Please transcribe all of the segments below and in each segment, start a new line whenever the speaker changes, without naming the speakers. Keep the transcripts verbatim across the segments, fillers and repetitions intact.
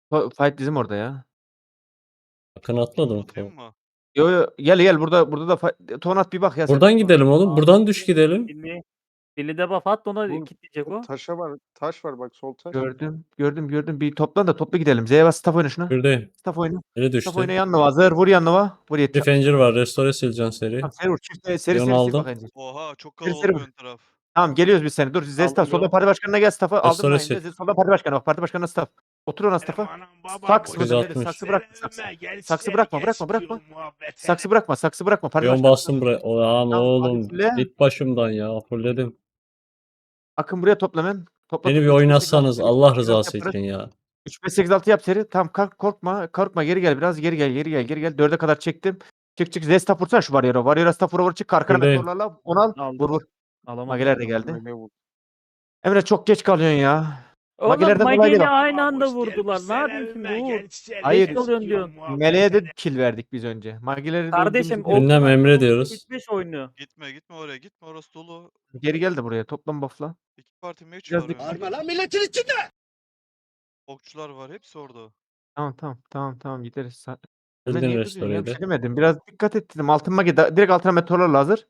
Fa fight bizim orada ya.
Akın atmadı mı?
Tutayım
Tamam.
mı?
Yo, yo, gel gel burada burada da fa Tonat bir bak ya sen.
Buradan gidelim oğlum. Buradan düş gidelim.
Billy Billy debuff at da ona
Vur.
kilitleyecek o.
Taşa var. Taş var bak sol taş.
Gördüm, gördüm, gördüm. Bir toplan da toplu gidelim. Z'ye bas staff oyna şuna.
Buradayım.
Staff oyna.
Biri
Staff oyna
düştü.
yanına hazır. Vur yanına. Vur
Bir
yeter.
fencir var. Restore sileceksin seri.
Tamam seri vur. Çift seri seri
Bir onu
seri sil
aldım.
bak önce.
Oha çok
Seri seri
kalabalık
vur.
ön taraf.
Tamam geliyoruz biz seni. Dur Zesta
Aldım
solda
bro.
parti başkanına gel staff'ı. Aldım
Restore
Naim'de.
sil.
Solda parti başkanı bak. Parti başkanına staff. Otur ona staff'a. Saksı mıdır nedir?
sekiz altmış.
Saksı bırakma saksı. Saksı bırakma bırakma bırakma. Saksı bırakma saksı bırakma. Parti
Bir on
başkanına
bastım
staff.
buraya. O lan
Tamam,
oğlum.
hadi fulle.
Git başımdan ya. Fulledim.
Akın buraya topla hemen. Topla
Beni bir
topla. üç beş sekiz altı
oynatsanız
seri.
Allah
üç beş sekiz altı
rızası
yaparız.
için ya.
üç beş sekiz altı yap seri. Tamam kalk korkma. Korkma geri gel biraz. Geri gel geri gel geri gel. dörde kadar çektim. Çık çık. Zesta vursana şu Warrior'a. Warrior'a staff vura vur çık. Arkana
Buradayım.
meteorlarla. Onu al.
Aldım.
Vur vur.
Alamadım.
Mageler de geldi.
Meleğe vur.
Emre çok geç kalıyorsun ya.
Oğlum
Magelerden dolayı değil
Mage'yle
bak.
aynı anda vurdular. Ne yapayım şimdi Uğur?
Hayır.
Geç kalıyorsun diyorsun.
Meleğe de kill verdik biz önce. Mageleri de
Kardeşim
öldüğümüzde-
o
Ünlem Emre diyoruz.
üç beş oynuyor.
Gitme gitme oraya gitme orası dolu.
Geri gel de buraya. Toplam buff'la.
İki parti mage
Biraz
var
dik-
önde.
Bağırma lan milletin içinde.
Okçular var hepsi orada.
Tamam tamam tamam tamam gideriz. Sa- Emre
Bildin
niye duruyorsun ya? Bir
restore'ydi.
şey demedim. Biraz dikkat et dedim. Altın mage da- direkt altına meteorlarla hazır.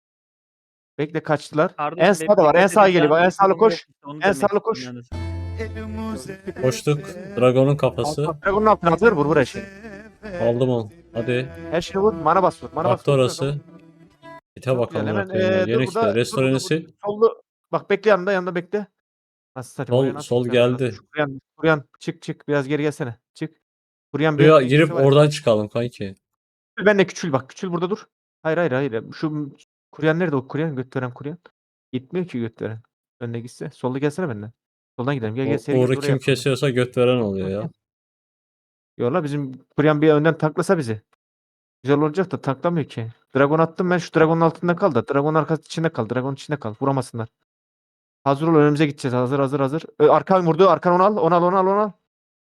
Bekle kaçtılar.
Kardeşim
En
benim
sağda var. En
dikkat
sağa
edeceğim
geliyor. En
bir
sağlı
durum
koş.
yok işte, onu
En
demek
sağlı
istedim
koş.
yani sana.
Koştuk. Dragon'un kafası.
Altına Dragon'un altına hazır. Vur vur her şeyi.
Aldım onu. Hadi.
Her şeyi vur. Mana bas vur. Mana bas
Baktı
vur.
orası. Gite
Çok
bakalım.
güzel. Hemen
Hemen,
eee,
Yeni
dur
kitle.
burada. Dur
Restore'ni
burada.
sil.
burada. Sollu. Bak bekle yanında yanında bekle. Nasıl satayım?
Sol-
Oraya nasıl
sol
gideceğim?
geldi.
Şu Kuryan, Kuryan çık çık. Biraz geri gelsene. Çık. Kuryan bir
Buraya
önceki
girip
ikisi var ya.
oradan çıkalım kanki.
Ben de küçül bak. Küçül burada dur. Hayır hayır hayır. Şu Kuryan nerede o Kuryan? Göt veren Kuryan. Gitmiyor ki göt veren. Önüne gitse. Solda gelsene benden. Soldan gidelim. Gel gel
O,
seri gel.
Uğur'u
Oraya
kim
yapalım.
kesiyorsa göt veren oluyor ya.
Yolla bizim Kuryan bir önden taklasa bizi. Güzel olacak da taklamıyor ki. Dragon attım ben şu Dragon'un altında kal da. Dragon arkası içinde kal. Dragon içinde kal. Vuramasınlar. Hazır ol önümüze gideceğiz. Hazır hazır hazır. Ö, Arkan vurdu. Arkan onu al. Onu al onu al onu al.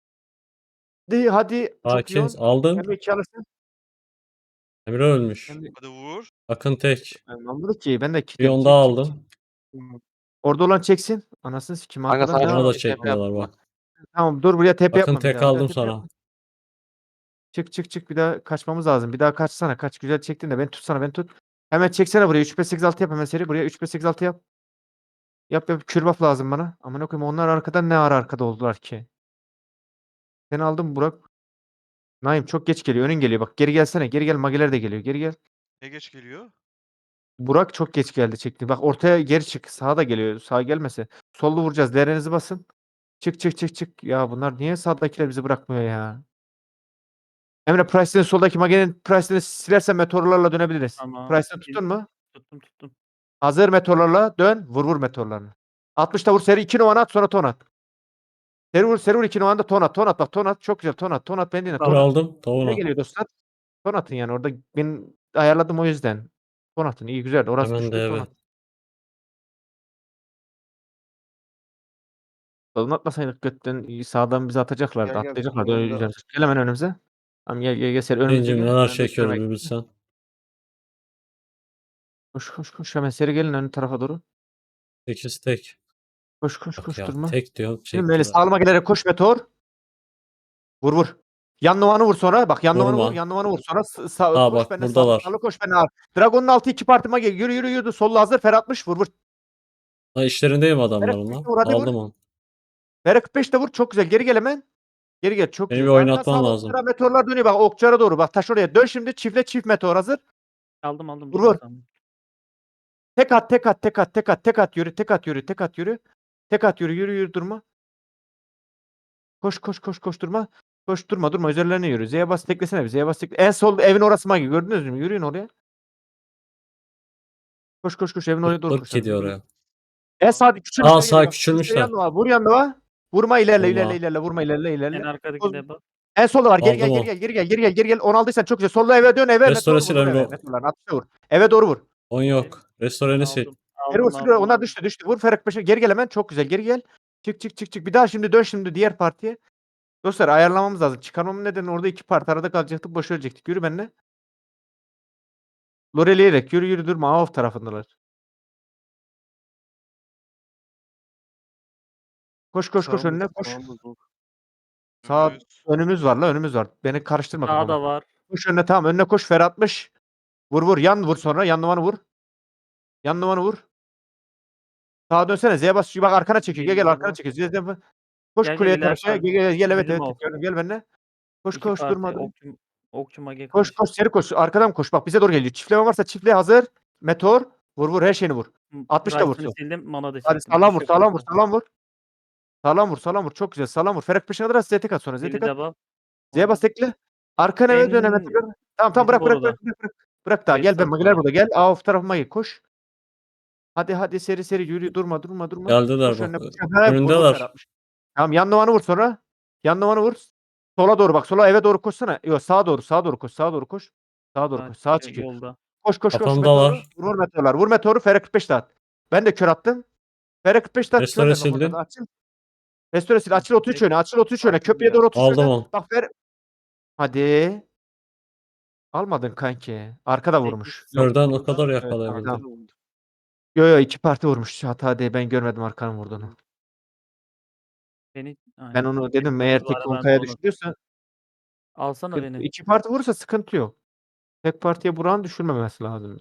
Hadi hadi. Çok iyi
Hakiz
on.
aldın.
Emre iki alırsın.
Emre ölmüş.
Emre
Hadi vur.
Akın tek.
ben anladık ki. Ben de
Bir
kilitledim.
onu
Çık,
daha
çık,
aldım.
çık. Orada olan çeksin. Anasını sikim
Kanka
arkadan
sana
devam
Bana da
et. T P
çekmiyorlar
yapma.
bak.
Tamam dur buraya T P
Akın
yapma bir
tek
daha. Bir daha
aldım
T P
sana.
yapma. Çık çık çık bir daha kaçmamız lazım. Bir daha kaçsana. Kaç güzel çektin de beni tutsana beni tut. Hemen çeksene buraya. üç beş sekiz altı yap hemen seri. Buraya üç beş sekiz altı yap. Yap yap. Kürbaf lazım bana. Aman okuyayım onlar arkadan ne ara arkada oldular ki. Seni aldım Burak. Naim çok geç geliyor. Önün geliyor. Bak geri gelsene. Geri gel. Mageler de geliyor. Geri gel.
Ne geç geliyor?
Burak çok geç geldi çekti. Bak ortaya geri çık. Sağa da geliyor. Sağa gelmese. Sollu vuracağız. Değerinizi basın. Çık çık çık çık. Ya bunlar niye sağdakiler bizi bırakmıyor ya? Emre Price'ın soldaki magenin Price'ını silersen meteorlarla dönebiliriz.
Tamam.
Price'ını tuttun mu?
Tuttum tuttum.
Hazır meteorlarla dön. Vur vur meteorlarını. altmışta vur seri iki numara at sonra ton at. Seri vur seri vur iki numarada ton at. Ton at bak ton at. Çok güzel ton at. Ton at beni
Dur
ton at.
aldım.
Ne
Tavuğunu.
geliyor dostlar? Ton atın yani orada ben ayarladım o yüzden. Ton atın iyi güzel. Orası
Hemen
düştü
de
ton
evet.
at. Ton atmasaydık götten iyi, sağdan bizi atacaklardı.
Gel, gel,
Atlayacaklardı.
soldan
Öyle
bir daha.
güzel. Gel hemen önümüze. Tamam gel gel gel seri önümüze
Gencim
gel.
neler
Önümüze
çekiyoruz
bekle.
bir bilsen.
Koş koş koş hemen seri gelin ön tarafa doğru.
sekiz tek.
Koş koş
Bak
koş
ya
durma.
tek diyorum
Şimdi böyle
çektiler.
sağlıma gelerek koş meteor. Vur vur. Yan numaranı vur sonra. Bak yan numaranı vur.
Vurma.
Yan numaranı vur sonra. S- Sağ,
Ha
koş
bak
benden sağlı
buradalar.
sağlı koş benden al. Dragon'un altı iki partıma gel. Yürü yürü yürü. Sollu hazır. Ferhatmış. Vur vur.
Ha işlerindeyim adamların
Ferhat
lan.
vur hadi vur.
Aldım onu.
Ferhat kırk beş de vur. Çok güzel. Geri gel hemen. Geri gel. Çok
Beni bir
güzel. Sağdan
oynatman
sağa
lazım.
okçulara meteorlar dönüyor. Bak okçulara doğru. Bak taş oraya. Dön şimdi. Çiftle çift meteor hazır.
Aldım aldım.
Vur,
dur,
vur.
tamam.
Tek at tek at tek at tek at tek at yürü. Tek at yürü. Tek at yürü. Tek at yürü. Yürü yürü durma. Koş koş koş koş durma. Koş durma durma. Üzerlerine yürü. Z'ye bas teklesene bir. Z'ye bas tekle. En sol evin orası magi. Gördünüz mü? Yürüyün oraya. Koş koş koş evin oraya doğru
Irk
koşalım.
gidiyor
Yürü.
oraya.
En sağ küçülmüş.
Aa sağ küçülmüşler.
Vur yanına. Vurma ilerle ilerle
Allah.
ilerle. Vurma ilerle
En
ilerle.
arkadaki de bak.
En solda var. Geri gel
Aldım
geri
o.
gel geri gel geri gel geri gel. Onu aldıysan çok güzel. Solda eve dön eve.
Restore
Meteor
sil
vur
Emre
eve.
o.
Meteorlar atışa vur. Eve doğru vur.
On yok. Restore'ni sil.
Aldım.
Geri vur.
Aldım
Sürüyor.
aldım.
Ona
aldım.
düştü düştü. Vur Ferhat Paşa. Geri gel hemen. Çok güzel. Geri gel. Çık çık çık çık. Bir daha şimdi dön şimdi diğer partiye. Dostlar ayarlamamız lazım. Çıkarmamın nedeni orada iki parti arada kalacaktık. Boş ölecektik. Yürü benimle. Loreleyerek yürü yürü durma. Off tarafındalar. Koş koş koş
Sağımız-
önüne koş.
sağımız dur.
Sağ
Önümüz.
önümüz var la önümüz var. Beni karıştırma
Sağda
kafamı.
var.
Koş önüne tamam önüne koş Fer atmış. Vur vur yan vur sonra yan numaranı vur. Yan numaranı vur. Sağa dönsene Z'ye bas. Bak arkana çekiyor. Gel gel
Birinde
arkana
bu.
çekiyor. Z'ye bas. Koş
Gel, gel,
kuleye
ileride
karşıya.
abi.
Gel gel gel evet
Bizim
evet.
o.
Gel, gel benimle. Koş
İki
koş
parti.
durma.
Okçu, okçu mage
Koş
karşı.
koş seri koş. Arkadan koş. Bak bize doğru geliyor. Çiftleme varsa çiftliğe hazır. Meteor. Vur vur her şeyini vur. altmış da
Price'ını
vursun.
sildim. Mana da
Hadi
çektim.
sağlam
Hiç
vur
yok
sağlam vur
zaten.
sağlam vur. Sağlam vur sağlam vur. Çok güzel sağlam vur. Ferak peşine kadar Z'ye tek at sonra. Z'ye
Biri
tek at.
de bak.
Z'ye bas tekle. Arkana eve dön hemen
En
tekrar. Tamam tamam
bizim
bırak bırak
orada.
bırak bırak. Bırak, bırak daha
Beş
gel ben
saat
magiler
var.
burada gel. Aa of tarafıma gel koş. Hadi hadi seri seri yürü durma durma durma.
Geldiler
Koş
bak.
önüne koş. Ha, vur vur
Önündeler.
Fer atmış. Tamam yan numaranı vur sonra. Yan numaranı vur. Sola doğru bak sola eve doğru koşsana. Yok sağa doğru sağa doğru koş sağa doğru koş. Sağa doğru
Ha,
koş. Sağa
şey,
çekiyor.
yolda.
Koş koş koş meteoru.
Kafamdalar.
Vur meteorlar. Vur meteoru. Fere kırk beş de at. Ben de kör attım. Fere kırk beş de at. Kör
Restore
ver bak oradan
sildim.
da açıl. Restore sil. Açıl otuz üç öne. Açıl otuz üç öne.
Aldım
Köprüye
ya.
doğru otuz üç
Aldım
öne.
onu.
Bak Fer. Hadi. Almadın kanki. Arkada
Sekiz.
vurmuş.
Yok,
Körden o
burada.
kadar
Evet,
yakalayabildim.
tamam. Yo yo iki parti vurmuş. Hata değil. Ben görmedim arkanın vurduğunu.
Beni
Ben
aynen.
onu
Tek
dedim eğer
parti
tek
var, ben de
Onkaya
onu.
düşürüyorsa
Alsana
sıkıntı-
beni.
iki parti vurursa sıkıntı yok. Tek partiye Burak'ın düşürmemesi lazım.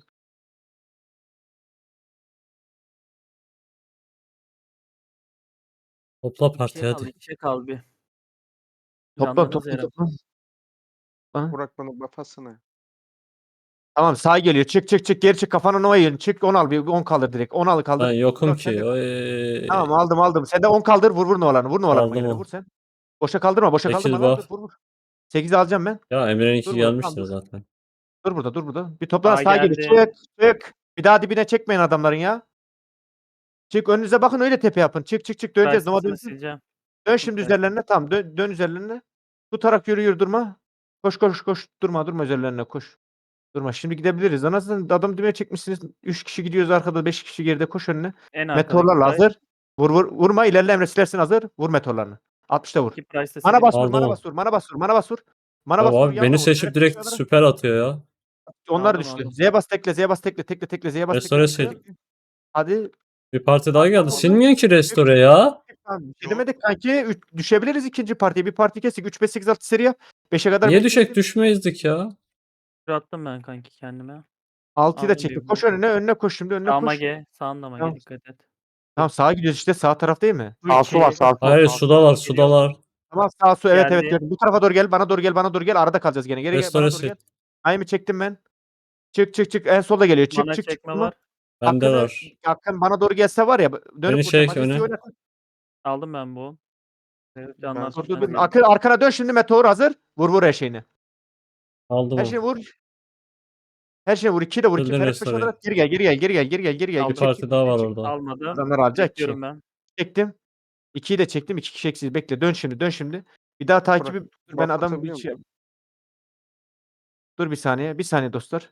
Topla
İçe
partiye
kal,
hadi.
içe kal bir.
Topla
Canlarınız
topla
yarım.
topla. Ha?
Burak bana bafasana.
Tamam sağ geliyor. Çık çık çık geri çık kafana Nova yiyin. Çık on al bir on kaldır direkt. on al kaldır.
Ben yokum
Burak, sen
ki.
de-
Oy.
Tamam aldım aldım. Sen de on kaldır vur vur Nova'larını. Vur Nova'larını
Aldım
gelene
on.
vur sen. Boşa kaldırma boşa
Sekiz
kaldırma lan dur
buff.
vur vur. sekizi alacağım ben.
Ya Emre'ninki
Dur burada tamam
gelmiştir
dur.
zaten.
Dur burada dur burada. Bir toplan
Sağ
sağa geliyor.
geldi.
Çık çık. Bir daha dibine çekmeyin adamların ya. Çık önünüze bakın öyle tepe yapın. Çık çık çık döneceğiz. Nova
Price'ını
dönsün.
sileceğim.
Dön şimdi
Price'ını.
üzerlerine. Tamam dön, dön üzerlerine. Tutarak yürü yürü durma. Koş koş koş. Durma durma üzerlerine koş. Durma. Şimdi gidebiliriz. Anasını adam dibine çekmişsiniz. üç kişi gidiyoruz arkada. beş kişi geride koş önüne.
En arkadaki
Meteorlarla
Price.
hazır. Vur vur. Vurma ilerle Emre silersin hazır. Vur meteorlarını. altmışta vur.
İki Price'da
Mana
sildim.
bas vur.
Aldım
Mana
o.
bas vur. Mana bas vur. Mana bas vur. Mana
Ya
bas vur.
abi
Yanına
beni
vur.
seçip
Direkt
direkt
aşağılara.
süper atıyor ya.
Onlar
Aldım,
düştü.
aldım.
Z'ye bas tekle. Z'ye bas tekle. Tekle tekle. Z'ye bas tekle.
Restore
tekle.
sil.
Hadi.
Bir parti daha
Atla
geldi.
orada.
Silmiyor ki
Çık,
restore
çık,
ya.
çık, tamam. Bir şey
Yok.
demedik kanki. Üç- düşebiliriz ikinci partiye. Bir parti kesik. üç beş sekiz altı seri yap. beşe kadar
Niye
ben
düşek
kestim.
düşmeyizdik ya?
Kür attım ben kanki kendime.
altıyı da
Aldım
çektim.
bir
Koş
bu.
önüne. Önüne koş şimdi. Önüne
Sağ
koş.
mage. Sağında mage
Tamam.
dikkat et.
Tamam sağa gidiyoruz işte. Sağ taraf değil mi?
Sağ su var sağ su.
Hayır
sağ su.
sudalar
Geliyor.
sudalar.
Tamam sağ su. Evet evet
Geldi.
gördüm. Bu tarafa doğru gel. Bana doğru gel. Bana doğru gel. Arada kalacağız gene. Geri gel.
Restore
Bana doğru
sil.
gel. Ayımı çektim ben. Çık çık çık. En solda geliyor. Çık
Mana
çık çık.
çekme
Durma.
var.
Bende
Hakkını,
var.
Hakkın bana doğru gelse var ya. Dönüp
Beni
vuracağım.
çek
Majeste'yi
öne.
oynat.
Aldım ben bu. Evet, canlar
Ben-
Dur dur
tutmaz
dur.
geldi.
Arkana, arkana dön şimdi. Meteor hazır. Vur vur her şeyini.
Aldım
Her
onu.
şeyini vur. Her şeyini vur. iki de vur. iki.
Sildim
Ferhat peşine
restore'yi.
kadar. Geri gel. Geri gel. Geri gel. Geri gel. Geri gel.
Bir
Aldım.
Çek,
parti
çek,
daha
çek,
var
çek.
orada.
Almadı.
Adamlar alacak ki.
Bekliyorum ben.
Çektim. ikiyi de çektim. iki kişi eksiz. Bekle. Dön şimdi. Dön şimdi. Bir daha takibi. Dur, ben
buff
adam bir
atabiliyor
şey...
muyum?
Dur bir saniye. Bir saniye dostlar.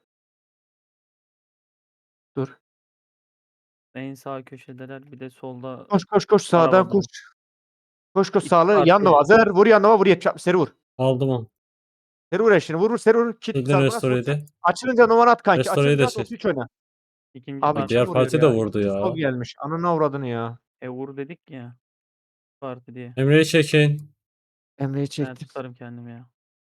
Dur.
En sağ köşedeler. Bir de solda.
Koş koş koş sağdan
Arabada.
koş. Koş koş
İki
sağlı.
parti.
Yanına hazır. Vur yanına vur. yetmiş seri vur.
Aldım onu.
Seri vur eşini. Vur vur seri vur. Kit
Sildim
sargına
restore'yi
sokacak.
de.
Açılınca numara at kanki.
Restore'yi de
Açılınca at
sil.
otuz üç oyna.
İkinci
Abi
parti.
kim
Diğer
vuruyor
parti de
ya?
vurdu
İkinci
ya.
sol gelmiş. Ananı avradını ya.
E vur dedik ya. Parti diye.
Emre'yi çekin.
Emre'yi
Ben
çektim.
tutarım kendimi ya.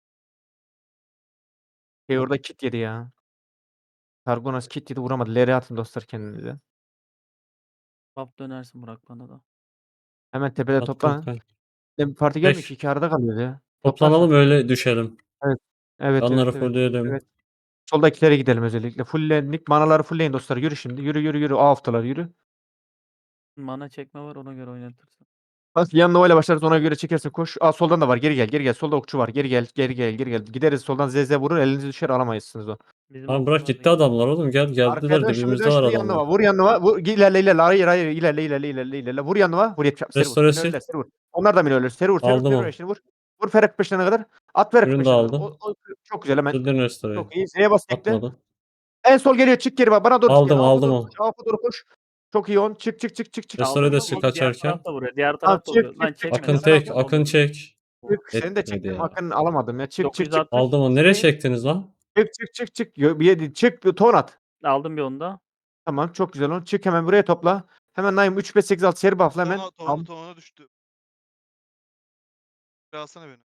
Şey orada kit yedi ya. Sargonas kit yedi vuramadı. L'ye atın dostlar kendinize.
Bap dönersin Burak bana da.
Hemen tepede
Attım
toplanın.
kanka.
Bir parti gelmiyor
Tek.
ki. iki arada kalıyor ya.
Toplanalım
Toplarsan.
öyle düşelim.
Evet. Evet
Onları
evet evet.
fullleyelim.
Evet. Soldakilere gidelim özellikle. Fulllendik. Manaları fullleyin dostlar. Yürü şimdi. Yürü yürü yürü. A haftalar yürü.
Mana çekme var ona göre oynatırsın.
Bak yanına öyle başlarız ona göre çekersin. Koş. Aa soldan da var. Geri gel. Geri gel. Solda okçu var. Geri gel. Geri gel. Geri gel. Gideriz soldan Z Z vurur. Elinizi düşer alamayızsınız o.
Bizim
Tamam bırak
okçular da
gitti adamlar oğlum gel
Arkaya
geldiler
dön şimdi
dibimizde
dön
var
şimdi yanına.
adamlar.
Vur yanına. Vur. İlerle ilerle. Hayır hayır. İlerle ilerle ilerle ilerle. Vur yanına. Vur yetmiş. Seri vur.
Restore sil.
Minörler, seri vur. Onlar da minörler. Seri vur. Seri vur.
Aldım
Seri vur.
onu.
Eşini vur. Vur Ferak peşine kadar. At Ferak
Ürünü de
peşine kadar.
aldım.
O, o, çok güzel hemen.
Sildim restore'yi.
Çok iyi. Z'ye bas tekle.
Atmadı.
En sol geliyor. Çık geri bak. Bana doğru çık.
Aldım,
geri. Alfa
aldım
doğru
onu.
koş. Alfa doğru koş. Çok iyi on. Çık çık çık çık çık.
Restore de
Alfa
sil
doğru-
Diğer
kaçarken.
taraf da vuruyor. Diğer
Tamam,
taraf da
çık,
vuruyor.
çık,
Lan
çık,
çekme.
çık.
Akın
Ben
tek
aldım.
akın çek.
Çık. Seni de
Etmedi
çektim.
ya.
Hakkını alamadım ya. Çık çık çık.
dokuz yüz altmış.
Aldım onu. Nereye çektiniz lan?
Çık çık çık çık. Yo, Bir yedi. Çık bir ton at.
Aldım bir onu da.
Tamam çok güzel on. Çık hemen buraya topla. Hemen Naim üç beş sekiz altı seri buff'la hemen.
Tona,
Al.
tona, tona düştü. alsana beni.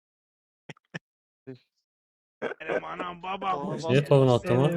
Benim anam babam.
Niye tavan attım ha?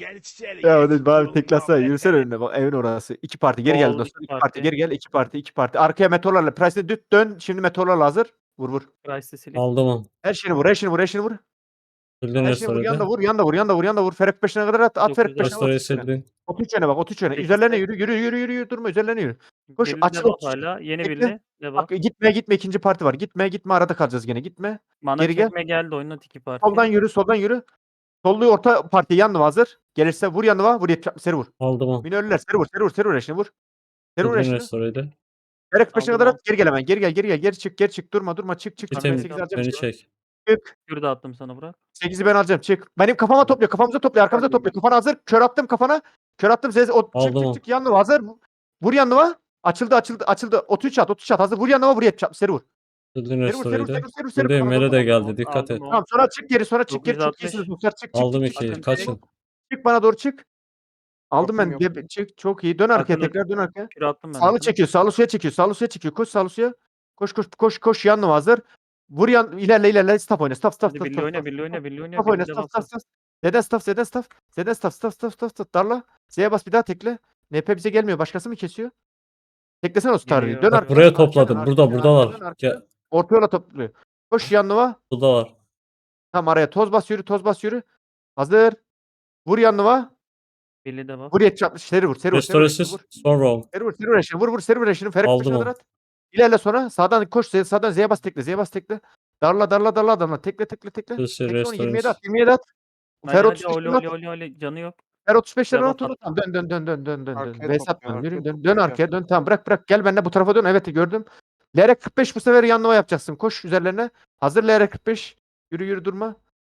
Ya hadi bari teklasana yürüsene önüne bak evin orası. İki parti geri gel
Sol,
dostlar.
iki
İki parti
parti.
geri gel. iki parti iki parti. Arkaya meteorlarla Price'e düt dön. Şimdi meteorlarla hazır. Vur vur.
Price'ı silip.
Aldım onu.
Her şeyini vur. Her şeyini vur. Her şeyini vur.
Sildin
Her şeyini vur. Yan da
restore'de.
vur. Yan da vur. Yan da vur. Yan da vur. Ferek peşine kadar at. At Ferek
dokuz
peşine.
Restore'yi
otuz üç öne.
sildin.
otuz üç öne bak. otuz üç öne.
sekiz
Üzerlerine
tek.
yürü. Yürü yürü yürü yürü. Durma üzerlerine yürü. Koş,
Birli
açıl,
debuff
otuz.
hala. Yeni
Bekle.
birli. Debuff.
Bak gitme gitme ikinci parti var. Gitme gitme arada kalacağız gene. Gitme.
Mana
geri gel.
çekme geldi oyunun iki parti.
Soldan yürü. Soldan yürü. Solluyu orta partiye yanına hazır. Gelirse vur yanına vur. yetmiş seri vur.
Aldım onu.
Minörler seri vur. Seri vur. Seri vur eşini vur. Seri vur
Sildin
eşini.
restore'de.
Ferek peşine
Aldım
kadar
on.
at. Geri gel hemen. Geri gel. Geri gel. Geri çık. Geri çık. Durma durma. Çık çık. çık. Ben
Bitim
sekiz alacağım.
beni
Çık.
çek.
Çık.
Kür de attım sana bırak.
sekizi ben alacağım. Çık. Benim kafama topluyor. Kafamıza topluyor. Arkamıza
Aldım
topluyor. Kafana hazır. Kör attım kafana. Kör attım. Zez. O, çık
Aldım o.
çık çık. Yanına hazır. Vur yanına. Açıldı açıldı açıldı. otuz üç at. otuz üç at. Hazır. Vur yanına vur. yetmiş. Seri vur.
Sildin
Seri vur. Seri vur. Seri
restore'de.
vur. Seri vur. Seri vur.
Buradayım.
Kafana
Mele de
topla.
geldi. Dikkat
Aldım
et.
onu.
Tamam sonra çık geri. Sonra çık geri. Çok
dokuz yüz
iyisiniz.
altmış.
Dostlar. Çık çık
Aldım
çık. çık.
ikiyi.
Bakın
Kaçın.
Çık bana doğru çık. Aldım
Yokum,
ben.
yokum.
De- çık. Çok iyi. Dön arkaya
Arkada-
tekrar. Dön arkaya.
Kür attım ben.
Sağlı
arkana.
çekiyor. Sağlı suya çekiyor. Sağlı suya çekiyor. Koş sağlı suya. Koş koş koş koş yanına hazır. Vur yan ilerle ilerle staff oyna. Staff staff
Hadi
staff
birli
staff.
oyna
staff,
birli oyna
staff.
birli oyna.
Staff oyna
birli
staff
debuff
staff
at.
staff. Zeden staff Zeden staff. Zeden staff staff staff staff staff. Darla. Z'ye bas bir daha tekle. N P bize gelmiyor. Başkası mı kesiyor? Teklesene o starıyı.
Geliyor.
Dön
Bak
Bak
arkaya.
buraya
dön arkaya,
topladım.
dön
Burada
arkaya,
buradalar.
arkaya, dön arkaya.
Gel.
Orta yola topluyor. Koş yanına.
Burada var.
Tam araya toz bas yürü toz bas yürü. Hazır. Vur yanına.
Birli debuff.
Vur yetmiş altmış. Seri vur. Seri vur. Seri vur.
Restoresiz.
Vur.
Sonra on.
Seri vur. Seri vur eşini. Vur vur. Seri vur eşini. Ferek
Aldım
peşine
onu.
kadar at. İlerle sonra. Sağdan koş. Z- Sağdan Z'ye bas tekle. Z'ye bas tekle. Darla darla darla darla. Tekle tekle tekle.
Sesi
Tekle onu yirmiye
restoresiz.
at. yirmiye at.
Hadi
Fer
hadi
otuz beş
oli
at.
oli oli oli. Canı yok.
Fer otuz beşlerini
Devam
at onu.
at.
Tamam, dön dön dön dön dön dön dön.
Arkaya
B'ye
topluyor,
satma.
arkaya
Yürü dön.
topluyor,
Dön
gel.
arkaya dön. Tamam bırak bırak. Gel benimle bu tarafa dön. Evet gördüm. L R kırk beş bu sefer yanlama yapacaksın. Koş üzerlerine. Hazır L R kırk beş. Yürü yürü durma.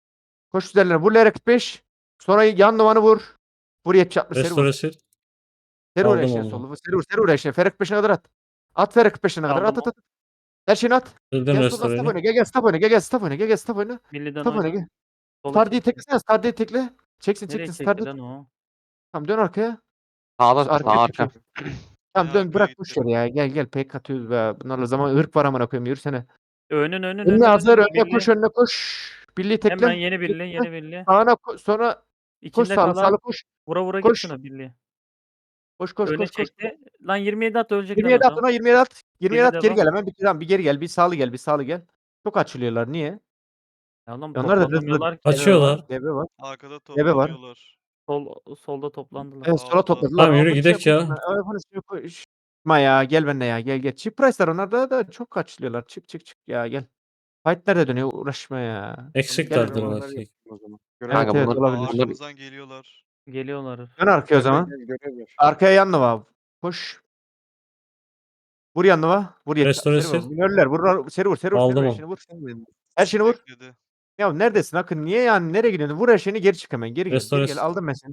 Koş üzerlerine. Vur L R kırk beş. Sonra yan numaranı vur. Vur yetmiş altmış. Seri vur.
Restoresiz.
Seri vur
Aldım
eşeğe
onu.
solu. Seri vur. Seri vur eşeğe. Fer kırk beşine kadar at. At Fer kırk beşine kadar. At
Aldım
at at. Her şeyini at.
Sildin
Gel soldan staff
restore'ni.
oyna. Gel gel staff oyna. Gel gel staff oyna. Gel gel staff oyna.
Birliden
Staff oyna
oyna.
gel.
Sola
Stardi'yi
çekti.
teklesene. Stardi'yi tekle. Çeksin
Nereye
çeksin.
çekti
Stardi.
lan o?
Tamam dön arkaya.
Sağda
Arkaya
sağ arka.
çekiyor. Tamam
En
dön
arkaya
bırak
gitti.
boş ver ya. Gel gel pek atıyoruz be. Bunlarla zaman ırk var amına koyayım yürüsene.
Önün önün
Önüne
önün.
hazır
önün.
önüne
Birli.
koş önüne koş. Birliği
Hemen
tekle.
yeni birli yeni birli.
Sağına ko- sonra koş
İçinde
sağlı
kalan
sağlı koş.
vura vura
Koş.
git şuna birli.
Koş koş
Öne
koş koş.
çekti. Lan yirmi yedi at ölecek
yirmi
lan
yedi at
adam.
ona yirmi yedi at. yirmi yedi
Birli
at geri
devam.
gel hemen bir tamam bir geri gel bir sağlı gel bir sağlı gel. Çok açılıyorlar niye?
Ya lan
Onlar da hızlı-
toplanamıyorlar ki.
Açıyorlar.
D B var.
Arkada
Debe var.
toplanıyorlar.
Sol, solda toplandılar.
Evet sola
Aldı.
topladılar.
Tamam, yürü
Ama
gidek
şey
ya.
yapma, ay, bunu şey yapma, iş- yapma ya gel benimle ya gel gel. Cheap price'lar onlar da, da çok kaçılıyorlar. Çık çık çık ya gel. Fight nerede dönüyor uğraşma ya.
Eksiklerdir
Gel,
belki.
O zaman.
Evet,
Kanka
evet,
bunlar-
olabilir.
Arkamızdan geliyorlar.
Geliyorlar.
Dön arkaya o zaman.
Görev ver.
Arkaya yanına var. Koş. Vur yanına var. Vur yet.
Restore
Seri vur.
sil.
Minörler vur. Seri vur. Seri vur.
Aldım
Seri vur.
onu.
Eşini vur. Her şeyini vur.
Bekledi.
Ya neredesin Akın? Niye yani? Nereye gidiyorsun? Vur her şeyini geri çık hemen. Geri gel.
Restore
Geri gel.
sil.
Aldım ben seni.